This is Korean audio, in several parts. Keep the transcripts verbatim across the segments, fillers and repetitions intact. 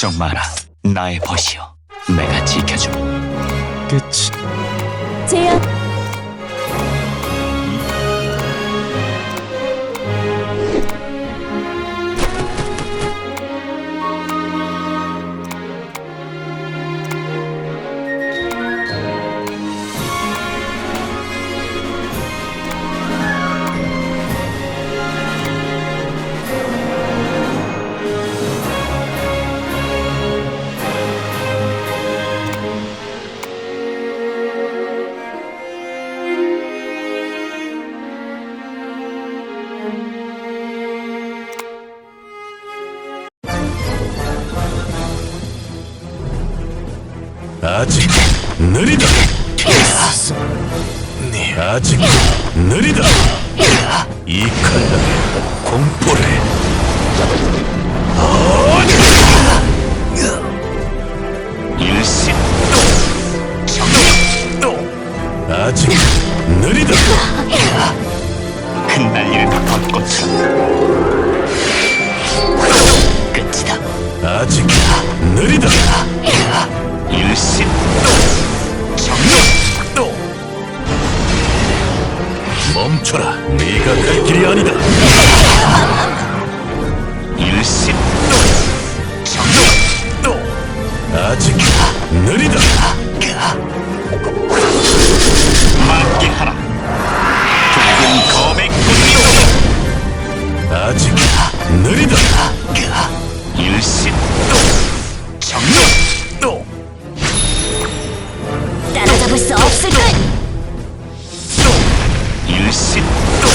걱정 마라. 나의 벗이여, 내가 지켜줌. 끝이 제압. 아직 느리다. 네, 아직 느리다. 이 칼날에 공포를. 일신 아직 느리다. 흩날리는 벚꽃처럼 끝이다. 아직 느리다. 일신 멈춰라. 네가 갈 길이 아니다. 일신 아직 느리다. 만개하라. 붉은 검의 꽃잎. 아직 느리다. 일신 따라잡을 수 없을걸. 일신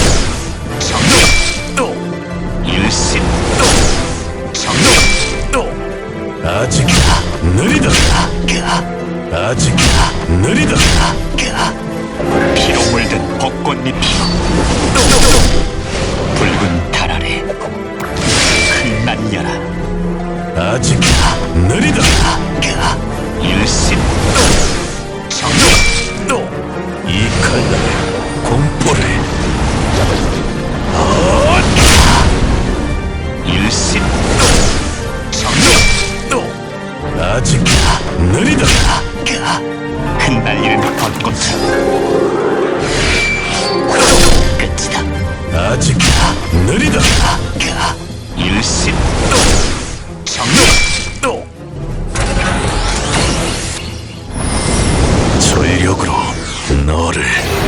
일신 아직 느리다. 아직 느리다. 피로 물든 벚꽃잎이 붉은 달 아래 흩날려라. 아직 느리다. 일신 이 칼날에 공포를. 일신 아직 느리다. 흩날리는 벚꽃처럼 끝이다. 아직 느리다. 일신 전력으로 너를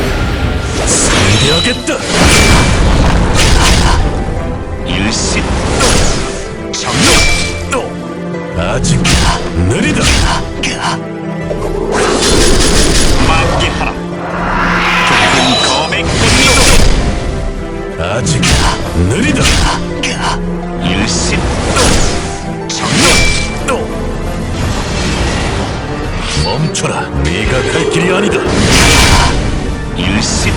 상대하겠다. 일신 아직 느리다. 만개하라. 붉은 검의 꽃잎. 아직 느리다. 일신 멈춰라. 네가 갈 길이 아니다. 일신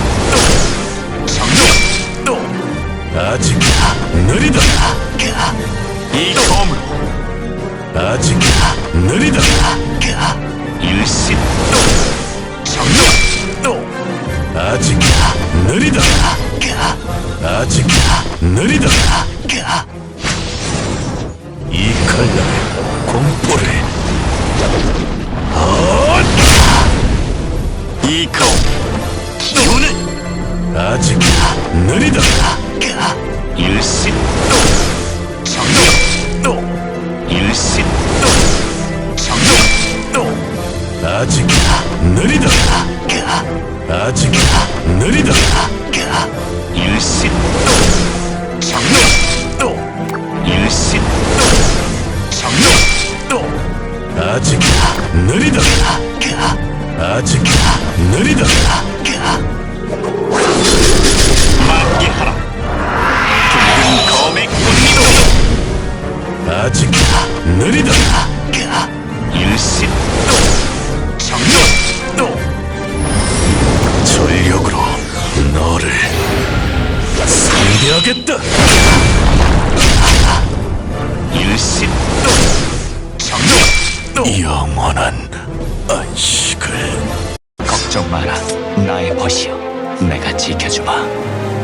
아직 느리다. 이 검으로 아직 느리다. 일신 아직 느리다. 아직 느리다. 이 칼날에 공포를. 이 검 기운을 아직 느리다. 일신 일신 아직 느리다. 아직 느리다. 일신 일신 아직 느리다. 아직 느리다. 만개하라. 붉은 검의 꽃잎. 아직 느리다. 일신 전력으로 너를 상대하겠다. 일신 영원한 안식을. 걱정 마라. 나의 벗이여, 내가 지켜주마.